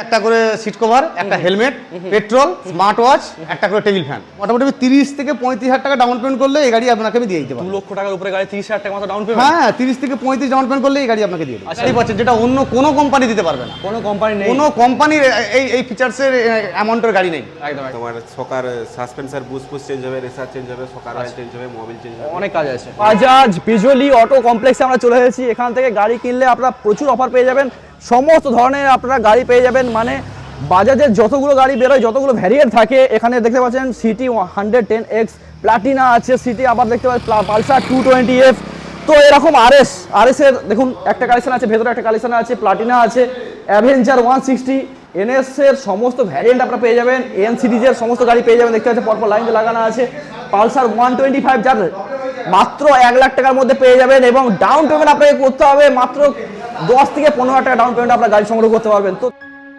একটা করে seat cover, একটা হেলমেট, পেট্রোল, স্মার্ট ওয়াচ, একটা করে টেবিল ফ্যান। মোটামুটি 30 থেকে 35,000 টাকা ডাউন পেমেন্ট করলে এই গাড়ি আপনাকে আমি দিয়ে দিতে পারবো। 2 লক্ষ টাকার উপরে গাড়ি 30,000 টাকা মতো ডাউন পেমেন্ট? হ্যাঁ, 30 থেকে 35 ডাউন পেমেন্ট করলে এই গাড়ি আপনাকে দিয়ে দেবো। এই পাচ্ছেন, যেটা অন্য কোনো কোম্পানি দিতে পারবে না। কোনো কোম্পানি নেই, কোনো কোম্পানির এই ফিচার্সের অ্যামাউন্টের গাড়ি নেই। একদম। তোমার সকার সাসপেন্সার বুশ চেঞ্জ হবে, রেসার চেঞ্জ হবে, সকার অয়েল চেঞ্জ হবে, মোবিল চেঞ্জ হবে, অনেক কাজ আছে। বাজাজ বিজলি অটো কমপ্লেক্সে আমরা চলে এসেছি। এখান থেকে গাড়ি কিনলে আপনারা প্রচুর অফার পেয়ে যাবেন, সমস্ত ধরনের আপনারা গাড়ি পেয়ে যাবেন। মানে বাজাজের যতগুলো গাড়ি বেরোয়, যতগুলো ভ্যারিয়েন্ট থাকে, এখানে দেখতে পাচ্ছেন সিটি 110X, প্লাটিনা আছে সিটি, আবার দেখতে পাচ্ছেন পালসার 220F। তো এরকম আরএস এর দেখুন একটা কালেকশন আছে, ভেতরে একটা কালেকশন আছে, প্লাটিনা আছে, অ্যাভেঞ্জার 160, এনএস এর সমস্ত ভ্যারিয়েন্ট আপনারা পেয়ে যাবেন, এন সিরিজের সমস্ত গাড়ি পেয়ে যাবেন। দেখতে পাচ্ছেন পরপর লাইন লাগানো আছে। পালসার 125 যার মাত্র 1 লাখ টাকার মধ্যে পেয়ে যাবেন, এবং ডাউন পেমেন্ট আপনাকে করতে হবে মাত্র 10 থেকে 15,000 টাকা ডাউন পেমেন্ট আপনারা গাড়ি সংগ্রহ করতে পারবেন। তো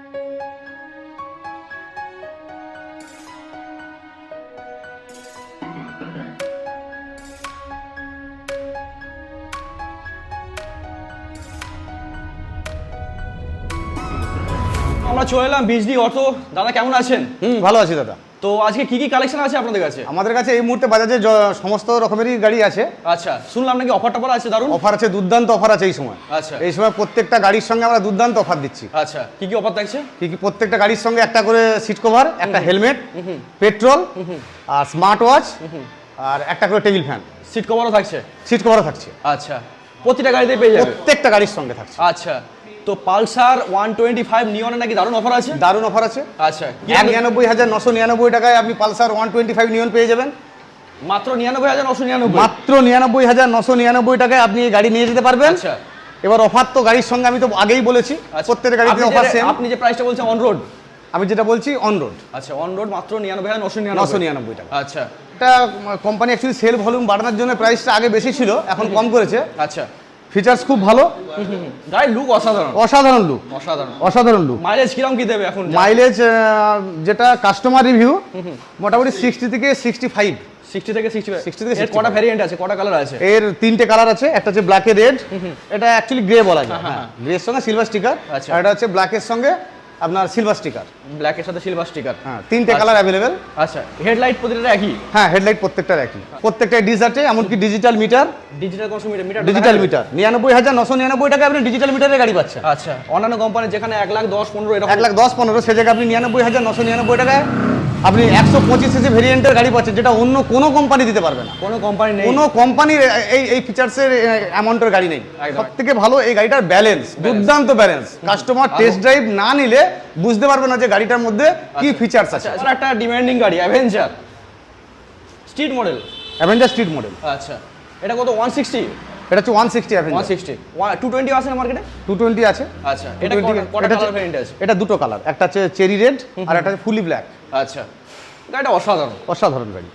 আমরা চলে এলাম বিজলি অটো। দাদা কেমন আছেন? ভালো আছি দাদা। তো আজকে কি কি কালেকশন আছে আপনাদের কাছে? আমাদের কাছে এই মুহূর্তে বাজাজের সমস্ত রকমেরই গাড়ি আছে। আচ্ছা, শুনলাম নাকি অফার টফার আছে, দারুন অফার আছে, দুর্দান্ত অফার আছে এই সময়। আচ্ছা, এই সময় প্রত্যেকটা গাড়ির সঙ্গে আমরা দুর্দান্ত অফার দিচ্ছি। আচ্ছা, কি কি অফার থাকছে? কি প্রত্যেকটা গাড়ির সঙ্গে একটা করে সিট কভার, একটা হেলমেট, পেট্রোল, আর স্মার্ট ওয়াচ, আর একটা করে টেবিল ফ্যান। সিট কভারও থাকছে? সিট কভারও থাকছে। আচ্ছা, প্রতিটা গাড়িতে পেয়ে যাবে? প্রত্যেকটা গাড়ির সঙ্গে থাকছে। আচ্ছা, তো পালসার 125 নিয়নে নাকি দারুণ অফার আছে? দারুণ অফার আছে। আচ্ছা, 99,999 টাকায় আপনি পালসার 125 নিয়ন পেয়ে যাবেন। মাত্র 99,999? মাত্র 99,999 টাকায় আপনি এই গাড়ি নিয়ে যেতে পারবেন। আচ্ছা, এবার অফার তো গাড়ির সঙ্গে আমি তো আগেই বলেছি, প্রত্যেকটা গাড়িতে অফার সেম। আপনি যে প্রাইসটা বলছেন অন রোড? আমি যেটা বলছি অন রোড। আচ্ছা, অন রোড মাত্র 99,999 টাকা। আচ্ছা, এটা কোম্পানি অ্যাকচুয়ালি সেল ভলিউম বাড়ানোর জন্য প্রাইসটা আগে বেশি ছিল, এখন কম করেছে। আচ্ছা, ফিচার্স খুব ভালো, গাড়ির লুক অসাধারণ। অসাধারণ লুক, অসাধারণ লুক। মাইলেজ কিরকম কি দেবে এখন? মাইলেজ যেটা কাস্টমার রিভিউ মোটামুটি 60 থেকে 65। 60 থেকে 65। এর কটা ভ্যারিয়েন্ট আছে, কটা কালার আছে? এর 3টে কালার আছে। একটা হচ্ছে ব্ল্যাক এ রেড, এটা অ্যাকচুয়ালি গ্রে বলা যায়। হ্যাঁ, গ্রে এর সঙ্গে সিলভার স্টিকার। আর এটা হচ্ছে ব্ল্যাক এর সঙ্গে আপনার সিলভার স্টিকার। ব্ল্যাক এর সাথে সিলভার স্টিকার। হ্যাঁ, 3টে কালার अवेलेबल। আচ্ছা, হেডলাইট প্রতিটা একই? হ্যাঁ, হেডলাইট প্রত্যেকটার একই, প্রত্যেকটা ডিস আছে, এমনকি digital meter. Digital meter? Digital meter 99,999 টাকা আপনি ডিজিটাল মিটারের গাড়ি পাচ্ছেন। আচ্ছা, অন্যান্য কোম্পানি যেখানে 1,10,15 এরকম 1,10,15, সে জায়গায় আপনি 99,999 টাকায় আপনি 125 সিসি ভেরিয়েন্টের গাড়ি পাচ্ছেন, যেটা অন্য কোনো কোম্পানি দিতে পারবে না। কোনো কোম্পানি নেই, কোনো কোম্পানির এই ফিচার্সের অ্যামাউন্টের গাড়ি নেই। সবথেকে ভালো এই গাড়িটার ব্যালেন্স, দুর্দান্ত ব্যালেন্স। কাস্টমার টেস্ট ড্রাইভ না নিলে বুঝতে পারবে না যে গাড়িটার মধ্যে কি ফিচার্স আছে। আচ্ছা, একটা ডিমান্ডিং গাড়ি Avenger street model. Avenger street model. আচ্ছা, এটা কত? 160? এটা হচ্ছে 160 অ্যাভেঞ্জার। 160 220 আছে না মার্কেটে? 220 আছে। আচ্ছা, এটা কটা কালার ভেরিয়েন্ট আছে? এটা দুটো কালার, একটা হচ্ছে চেরি রেড আর একটা ফুলি ব্ল্যাক। আচ্ছা, গাড়িটা অসাধারণ, অসাধারণ গাড়ি।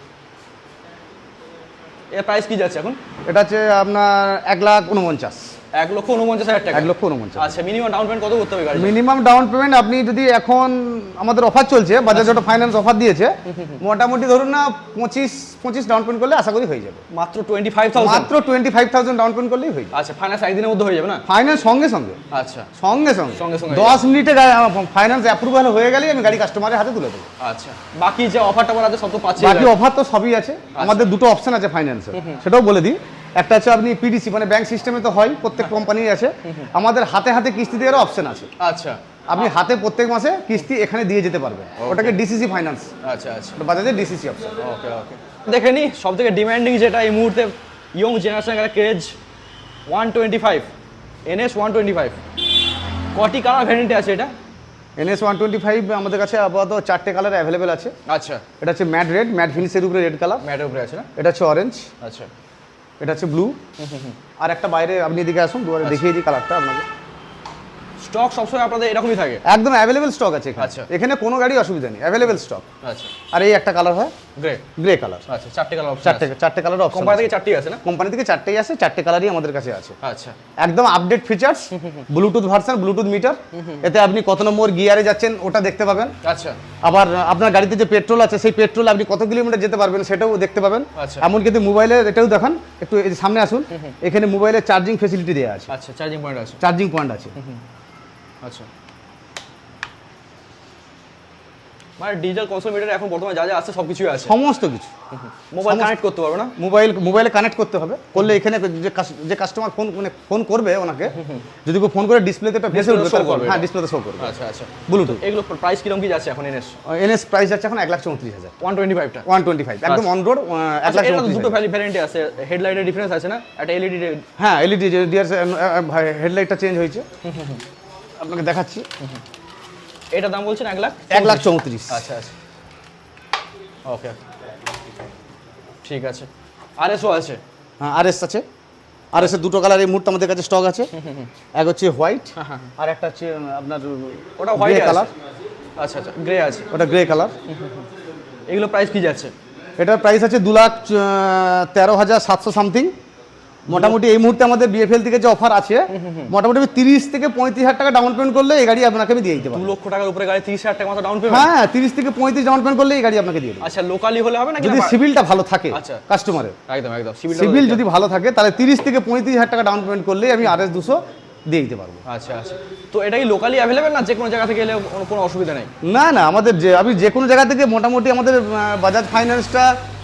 এর প্রাইস কি যাচ্ছে এখন? এটা হচ্ছে আপনার 1,49,000। 1,49,000 টাকা? 1,49,000। আচ্ছা, মিনিমাম ডাউন পেমেন্ট কত করতে হবে গাড়ি? মিনিমাম ডাউন পেমেন্ট আপনি যদি এখন আমাদের অফার চলছে, বাজাজ অটো ফাইন্যান্স অফার দিয়েছে, মোটামুটি ধরুন না 25 ডাউন পেমেন্ট করলে আশা করি হয়ে যাবে। মাত্র 25,000? মাত্র 25,000 ডাউন পেমেন্ট করলেই হয়ে যাবে। আচ্ছা, ফাইন্যান্স একদিনের মধ্যে হয়ে যাবে না? ফাইন্যান্স সঙ্গে সঙ্গে। আচ্ছা, সঙ্গে সঙ্গে 10 মিনিটে ফাইন্যান্স অ্যাপ্রুভাল হয়ে গেলেই আমি গাড়ি কাস্টমারের হাতে তুলে দেবো। আচ্ছা, বাকি যে অফারটা আছে সব তো পাচ্ছি? বাকি অফার তো সবই আছে। আমাদের দুটো অপশন আছে ফাইন্যান্সের, সেটাও বলে দিই। একটা হচ্ছে আপনি পিডিসি মানে ব্যাংক সিস্টেমে তো হয়, প্রত্যেক কোম্পানির আছে। আমাদের হাতে হাতে কিস্তি দেওয়ার অপশন আছে। আচ্ছা, আপনি হাতে প্রত্যেক মাসে কিস্তি এখানে দিয়ে যেতে পারবেন, ওটাকে ডিসিসি ফাইন্যান্স। আচ্ছা আচ্ছা, বাজাজের ডিসিসি অপশন। ওকে ওকে, দেখে নি সবথেকে ডিমান্ডিং যেটা এই মুহূর্তে ইয়ং জেনারেশনের একটা ক্রেজ 125 NS 125। কটি কালার ভ্যারিয়েন্টে আছে এটা? NS 125 আমাদের কাছে আপাতত 4টে কালার অ্যাভেলেবেল আছে। আচ্ছা, এটা হচ্ছে ম্যাট রেড, ম্যাট ফিনিশের উপরে রেড কালার। ম্যাটের উপরে আছে না? এটা হচ্ছে অরেঞ্জ। আচ্ছা, এটা হচ্ছে ব্লু। আর একটা বাইরে আপনি এদিকে আসুন, দুয়ারে দেখিয়ে দিই কালারটা আপনাকে। স্টক সবসময় আপনাদের এরকমই থাকে? একদম অ্যাভেলেবেল স্টক আছে এখানে। আচ্ছা, এখানে কোনো গাড়ি অসুবিধা নেই, অ্যাভেলেবেল স্টক। আচ্ছা, আর এই একটা কালার হয় গ্রে কালার। আচ্ছা, 4টে কালার অপশন? 4টে কালার অপশন। কোম্পানি থেকে 4টি আছে না? কোম্পানি থেকে 4টেই আছে, 4টে কালারই আমাদের কাছে আছে। আচ্ছা, একদম update features, Bluetooth version, Bluetooth meter. এতে আপনি কত নম্বর গিয়ারে যাচ্ছেন ওটা দেখতে পাবেন। আচ্ছা, আবার আপনার গাড়িতে যে পেট্রোল আছে সেই পেট্রোল আপনি কত কিলোমিটার যেতে পারবেন সেটাও দেখতে পাবেন। আচ্ছা, এমন কিন্তু মোবাইলে এটাও দেখান, একটু এই সামনে আসুন। এখানে মোবাইলে চার্জিং ফেসিলিটি দেওয়া আছে। আচ্ছা, চার্জিং পয়েন্ট আছে? চার্জিং পয়েন্ট আছে। আচ্ছা, মানে ডিজিটাল কনসোল মিটার এখন বর্তমানে যা যা আছে সবকিছুই আছে। সমস্ত কিছু মোবাইল কানেক্ট করতে পারবে না? মোবাইলে কানেক্ট করতে হবে, করলে এখানে যে কাস্টমার ফোন করবে ওনাকে, যদি কেউ ফোন করে ডিসপ্লেতে একটা ভেসে উঠবে, show করবে। হ্যাঁ ডিসপ্লেতে শো করবে। আচ্ছা আচ্ছা। ব্লুটুথ। এগুলো প্রাইস কিরকম কি যাচ্ছে এখন এনএস? এনএস প্রাইস যাচ্ছে এখন 1,34,000, 125টা 125 একদম অন রোড এটা তো 1,34,000। দুটো ভ্যারিয়েন্টে আছে, হেডলাইটের ডিফারেন্স আছে না, একটা এলইডি। হ্যাঁ এলইডি হেডলাইটটা চেঞ্জ হয়েছে, আপনাকে দেখাচ্ছি। এটার দাম বলছেন 1,34,000। আচ্ছা আচ্ছা, ওকে ঠিক আছে। আরএসও আছে? হ্যাঁ আরএস আছে, আরএস এর দুটো কালার এই মুহূর্তে আমাদের কাছে স্টক আছে। এক হচ্ছে হোয়াইট, আর একটা হচ্ছে আপনার ওটা হোয়াইট কালার। আচ্ছা আচ্ছা, গ্রে আছে, ওটা গ্রে কালার। এগুলো প্রাইস কি যাচ্ছে? এটার প্রাইস আছে 2,13,700 সামথিং। মোটামুটি এই মুহূর্তে আমাদের বিএফএল থেকে যে অফার আছে, মোটামুটি 30 থেকে 35,000 টাকা ডাউন পেমেন্ট করলে এই গাড়ি আপনাকে আমি দিয়ে দিতে পারবো। 2 লক্ষ টাকার উপরে গাড়ি 30,000 টাকা মতো ডাউন পেমেন্ট? হ্যাঁ 30 থেকে 35 ডাউন পেমেন্ট করলে এই গাড়ি আপনাকে দিয়ে দেবো। আচ্ছা, লোকালি হলে হবে না? যদি সিভিলটা ভালো থাকে আচ্ছা কাস্টমারের, একদম একদম সিভিল যদি ভালো থাকে তাহলে 30 থেকে 35,000 টাকা ডাউন পেমেন্ট করলে আমি RS 200 দিয়ে দিতে পারবো। আচ্ছা আচ্ছা, তো এটা কি লোকালি অ্যাভেলেবেল না যে কোনো জায়গা থেকে এলে কোনো অসুবিধা নেই? না না, আমাদের আমি যে কোনো জায়গা থেকে মোটামুটি আমাদের বাজাজ ফাইন্যান্সটা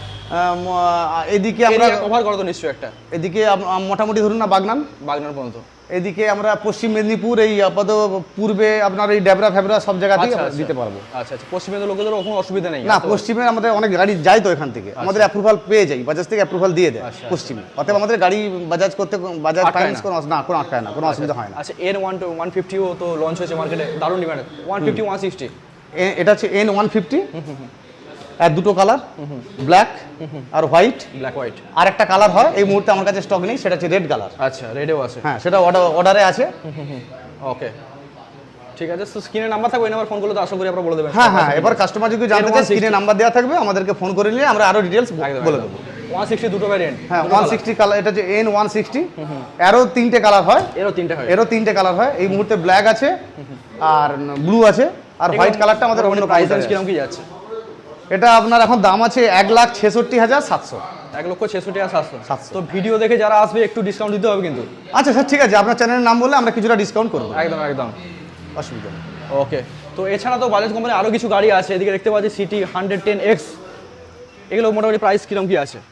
এদিকে আমরা কভার করো তো নিশ্চয়ই একটা। এদিকে মোটামুটি ধরুন না বাগনান পর্যন্ত, এদিকে আমরা পশ্চিম মেদিনীপুর, এই আপাতত পূর্বে আপনার এই ডেবরা ফেবরা সব জায়গাতেই দিতে পারবো। আচ্ছা আচ্ছা, পশ্চিমের লোকেদের কোনো অসুবিধা নেই না, পশ্চিমে আমাদের অনেক গাড়ি যায় তো এখান থেকে, আমাদের অ্যাপ্রুভাল পেয়ে যাই, বাজাজ থেকে অ্যাপ্রুভাল দিয়ে দেয় পশ্চিমে। অতএব আমাদের গাড়ি বাজাজ করতে, বাজাজ ফাইন্যান্স কোনো কোনো আটকায় না, কোনো অসুবিধা হয় না। আচ্ছা, এর 150ও তো লঞ্চ হয়েছে মার্কেটে, দারুণ ডিমান্ড। 150 160 এটা হচ্ছে N150, আর দুটো কালার, ব্ল্যাক আর হোয়াইট। Black white. আর একটা কালার হয় এই মুহূর্তে আমার কাছে স্টক নেই, সেটা হচ্ছে রেড কালার। আচ্ছা, রেডেও আছে? হ্যাঁ সেটা অর্ডারে আছে। ওকে ঠিক আছে, তো স্ক্রিনে নাম্বার থাকবে, ওই নাম্বার ফোন করলে তো আশা করি আপনারা বলে দেবেন। হ্যাঁ হ্যাঁ, এবার কাস্টমার যদি জানতে চায় স্ক্রিনে নাম্বার দেওয়া থাকবে, আমাদেরকে ফোন করে নিলে আমরা আরো ডিটেইলস বলে দেবো। 160 দুটো ভ্যারিয়েন্ট। হ্যাঁ 160 কালার, এটা হচ্ছে N160, এরও তিনটে কালার হয়। এরও তিনটে কালার হয়, এই মুহূর্তে ব্ল্যাক আছে আর ব্লু আছে, আর হোয়াইট কালারটা আমাদের অন্য প্রাইস কিরকম কি যাচ্ছে? এটা আপনার এখন দাম আছে 1,66,700। 1,66,700। তো ভিডিও দেখে যারা আসবে একটু ডিসকাউন্ট দিতে হবে কিন্তু। আচ্ছা স্যার ঠিক আছে, আপনার চ্যানেলের নাম বললে আমরা কিছুটা ডিসকাউন্ট করবো। একদম একদম, অসুবিধা নেই। ওকে, তো এছাড়া তো বাজাজ কোম্পানির আরও কিছু গাড়ি আছে, এদিকে দেখতে পাচ্ছি সিটি 110X, এগুলো মোটামুটি প্রাইস কিরকম কি আছে?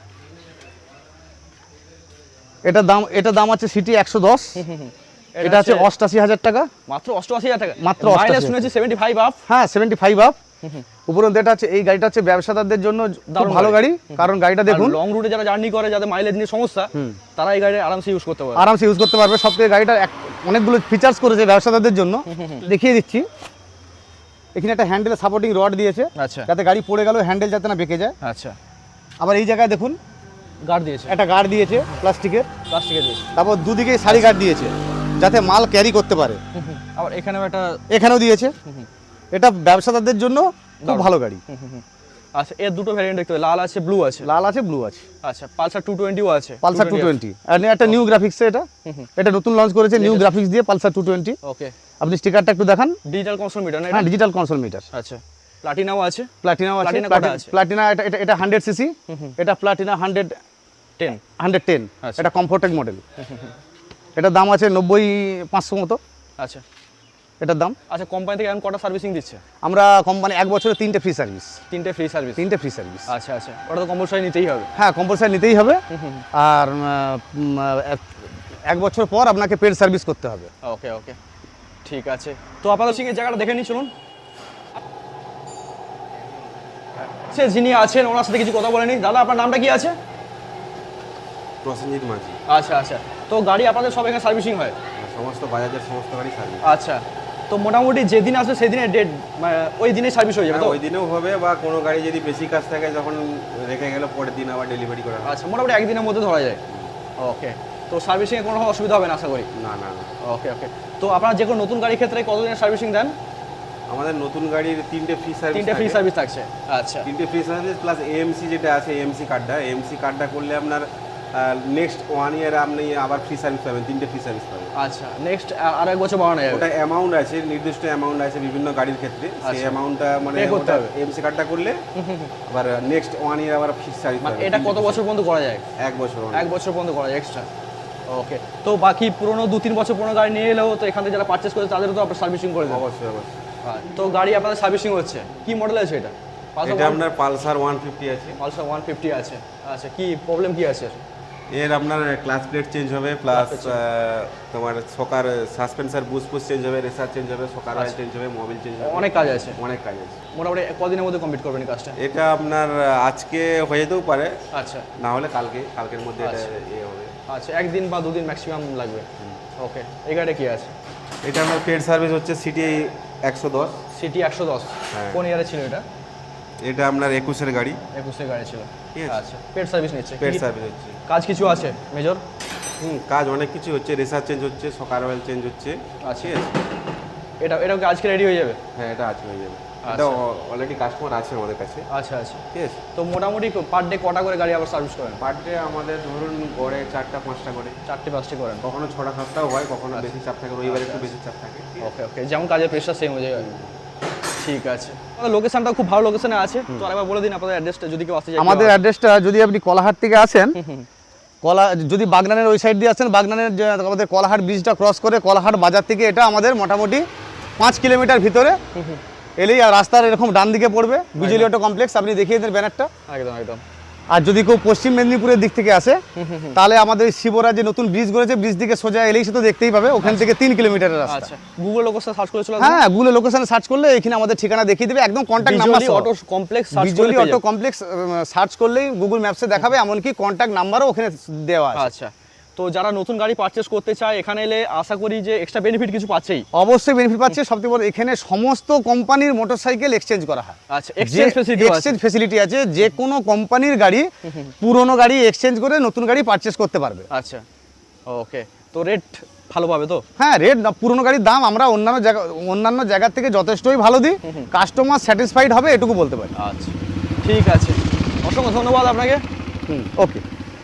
এটা দাম আছে সিটি 110, এটা আছে 88,000 টাকা। মাত্র 88,000 টাকা? মাত্র 88,000 শুনেছি 75 আপ। হ্যাঁ 75 আপ। উপরন্তু এটা আছে, এই গাড়িটা হচ্ছে ব্যবসাদারদের জন্য খুব ভালো গাড়ি, কারণ গাড়িটা দেখুন লং রুটে যারা জার্নি করে, যাদের মাইলেজ নিয়ে সমস্যা, তারা এই গাড়ি আরামসে ইউজ করতে পারবে। আরামসে ইউজ করতে পারবে। সবথেকে গাড়িটা অনেকগুলো ফিচার্স করেছে ব্যবসাদারদের জন্য, দেখিয়ে দিচ্ছি। এখানে একটা হ্যান্ডেলে সাপোর্টিং রড দিয়েছে, আচ্ছা, যাতে গাড়ি পড়ে গেল হ্যান্ডেল যাতে না বেঁকে যায়। আচ্ছা, আবার এই জায়গায় দেখুন গার্ড দিয়েছে, একটা গার্ড দিয়েছে প্লাস্টিকের দিয়েছে। তারপর দুদিকে সারি গার্ড দিয়েছে যাতে মাল ক্যারি করতে পারে। আবার এখানেও দিয়েছে। এটা ব্যবসাদারদের জন্য খুব ভালো গাড়ি। আচ্ছা, এর দুটো ভ্যারিয়েন্ট দেখতে হবে, লাল আছে ব্লু আছে। লাল আছে ব্লু আছে। আচ্ছা, পালসার 220ও আছে। পালসার 220 আর একটা নিউ গ্রাফিক্স, এটা নতুন লঞ্চ করেছে নিউ গ্রাফিক্স দিয়ে পালসার 220। ওকে, আপনি স্টিকারটা একটু দেখান। ডিজিটাল কনসোল মিটার না? হ্যাঁ ডিজিটাল কনসোল মিটার। আচ্ছা, প্লাটিনাও আছে। প্লাটিনাও আছে। প্লাটিনা এটা 100 সিসি, এটা প্লাটিনা 110। এটা কমফোর্টেড মডেল। এটা দাম আছে 90,500 মতো। আচ্ছা, এটার দাম। আচ্ছা, কোম্পানি থেকে এখন কটা সার্ভিসিং দিচ্ছে? আমরা কোম্পানি 1 বছরে 3টে ফ্রি সার্ভিস। 3টে ফ্রি সার্ভিস? 3টে ফ্রি সার্ভিস। আচ্ছা আচ্ছা, ওটা তো কম্পালসারি নিতেই হবে। হ্যাঁ কম্পালসারি নিতেই হবে। আর 1 বছর পর আপনাকে পেড সার্ভিস করতে হবে। ওকে ওকে ঠিক আছে, তো আপনাদের সঙ্গে জায়গাটা দেখে নিই, চলুন। সে যিনি আছেন ওনার সাথে কিছু কথা বলে নিই। দাদা, আপনার নামটা কি আছে? প্রসেনজিৎ মাঝি। আচ্ছা আচ্ছা, তো গাড়ি আপনাদের সব এখানে সার্ভিসিং হয়? সমস্ত বাজাজের সমস্ত গাড়ি সার্ভিস। আচ্ছা, তো মোটামুটি যেদিন আসবে সেদিনের ডেট, ওই দিনে সার্ভিস হয়ে যাবে তো? ওই দিনেও হবে, বা কোনো গাড়ি যদি বেশি কাজ থাকে যখন রেখে গেল পরের দিন আবার ডেলিভারি করা হয়। আচ্ছা, মোটামুটি একদিনের মধ্যে ধরা যায়। ওকে, তো সার্ভিসিংয়ে কোনো অসুবিধা হবে না আশা করি? না না না। ওকে ওকে, তো আপনারা যে কোনো নতুন গাড়ির ক্ষেত্রে কতদিনের সার্ভিসিং দেন? আমাদের নতুন গাড়ির 3টে ফ্রি সার্ভিস। 3টে ফ্রি সার্ভিস থাকছে? আচ্ছা, 3টে ফ্রি সার্ভিস প্লাস এএমসি যেটা আছে, এএমসি কার্ডটা করলে আপনার নেক্সট 1 ইয়ার আপনি আবার ফ্রি সার্ভিস পাবেন, 3টে ফ্রি সার্ভিস পাবেন। আচ্ছা, নেক্সট আর 1 বছর বাড়ানো যাবে? ওটা অ্যামাউন্ট আছে, নির্দিষ্ট অ্যামাউন্ট আছে বিভিন্ন গাড়ির ক্ষেত্রে, সেই অ্যামাউন্টটা মানে এএমসি কার্ডটা করলে আবার নেক্সট 1 ইয়ার আবার ফ্রি সার্ভিস পাবেন। এটা কত বছর পর্যন্ত করা যায়? 1 বছর। 1 বছর পর্যন্ত করা যায় এক্সট্রা। ওকে, তো বাকি পুরনো 2-3 বছর পুরনো গাড়ি নিয়ে এলেও তো এখান থেকে যারা পারচেস করে তাদেরও তো আপনার সার্ভিসিং করে দেন? অবশ্যই অবশ্যই। তো গাড়ি আপনাদের সার্ভিসিং হচ্ছে, কি মডেল আছে এটা? এটা আপনার পালসার 150 আছে। পালসার 150 আছে। আচ্ছা, কি প্রবলেম কি আছে? এর আপনার ক্লাস প্লেট চেঞ্জ হবে, প্লাস তোমার সকার সাসপেন্সার বুশ চেঞ্জ হবে, রেসার চেঞ্জ হবে, সকার অয়েল চেঞ্জ হবে, মোবিল চেঞ্জ হবে, অনেক কাজ আছে। অনেক কাজ আছে। মোটামুটি কদিনের মধ্যে কমপ্লিট করবেন এই কাজটা? এটা আপনার আজকে হয়ে যেতেও পারে, আচ্ছা, না হলে কালকের মধ্যে এটা ইয়ে হবে। আচ্ছা, একদিন বা দুদিন ম্যাক্সিমাম লাগবে। ওকে, এই গাড়িটা কি আছে? এটা আপনার পেড সার্ভিস হচ্ছে সিটি 110। সিটি 110। হ্যাঁ। কোন ইয়ারে ছিল এটা? এটা আপনার 21-এর গাড়ি। 21 গাড়ি ছিল। ঠিক আছে। আচ্ছা, পেড সার্ভিস নিচ্ছে? পেড সার্ভিস হচ্ছে। কাজ কিছু আছে মেজর? কাজ অনেক কিছু হচ্ছে, রেসার চেঞ্জ হচ্ছে, সকার অয়েল চেঞ্জ হচ্ছে। আচ্ছা, ঠিক আছে। এটা কি আজকে রেডি হয়ে যাবে? হ্যাঁ, এটা আজকে হয়ে যাবে। এটা অলরেডি কাস্টমার আছে আমাদের কাছে। আচ্ছা আচ্ছা, ঠিক আছে। তো মোটামুটি পার ডে কটা করে গাড়ি আবার সার্ভিস করেন? পার ডে আমাদের ধরুন গড়ে 4টা-5টা করে। 4টে-5টে করেন? কখনো 6টা-7টাও হয়, কখনো বেশি চাপ থাকে, রবিবারে একটু বেশি চাপ থাকে। ওকে ওকে, যেমন কাজের প্রেশার সেম হয়ে যায়। ঠিক আছে, লোকেশনটা খুব ভালো লোকেশনে আছে। তো আরেকবার বলে দিন আপনাদের অ্যাড্রেসটা, যদি কেউ আসতে চায়। আমাদের অ্যাড্রেসটা, যদি আপনি কলাহাট থেকে আসেন, যদি বাগনানের ওই সাইড দিয়ে আসেন, বাগনানের যে আমাদের কলাহাট ব্রিজটা ক্রস করে কলাহাট বাজার থেকে এটা আমাদের মোটামুটি 5 কিলোমিটার ভিতরে এলেই, আর রাস্তার এরকম ডান দিকে পড়বে বিজলি অটো কমপ্লেক্স, আপনি দেখিয়ে দেন ব্যানারটা। একদম একদম। আর যদি কেউ পশ্চিম মেদিনীপুরের দিক থেকে আসে, তাহলে আমাদের শিবরা যে নতুন ব্রিজ করেছে, ব্রিজ দিকে সোজা এলেই সে তো দেখতেই পাবে, ওখান থেকে 3 কিলোমিটারের রাস্তা। আচ্ছা, গুগল লোকেশন সার্চ করে চলে হ্যাঁ, গুগল লোকেশনে সার্চ করলে এখানে আমাদের ঠিকানা দেখিয়ে দেবে, একদম contact number Bijli auto complex search করে বিজলি অটো কমপ্লেক্স সার্চ করলেই গুগল ম্যাপসে দেখাবে, এমনকি কন্ট্যাক্ট নাম্বারও ওখানে দেওয়া আছে। আচ্ছা, তো যারা নতুন গাড়ি পারচেজ করতে চায় এখানে এলে আশা করি যে এক্সট্রা বেনিফিট কিছু পাচ্ছেই। অবশ্যই বেনিফিট পাচ্ছে। সবথেকে বড়, এখানে সমস্ত কোম্পানির মোটরসাইকেল এক্সচেঞ্জ করা হয়। আচ্ছা, এক্সচেঞ্জ ফ্যাসিলিটি আছে? এক্সচেঞ্জ ফ্যাসিলিটি আছে, যে কোনো কোম্পানির গাড়ি পুরনো গাড়ি এক্সচেঞ্জ করে নতুন গাড়ি পারচেজ করতে পারবে। আচ্ছা, ওকে, তো রেট ভালো পাবে তো? হ্যাঁ, রেট পুরনো গাড়ির দাম আমরা অন্যান্য জায়গার থেকে যথেষ্টই ভালো দিই, কাস্টমার স্যাটিসফাইড হবে এটুকু বলতে পারি। আচ্ছা, ঠিক আছে, অসংখ্য ধন্যবাদ আপনাকে। ওকে।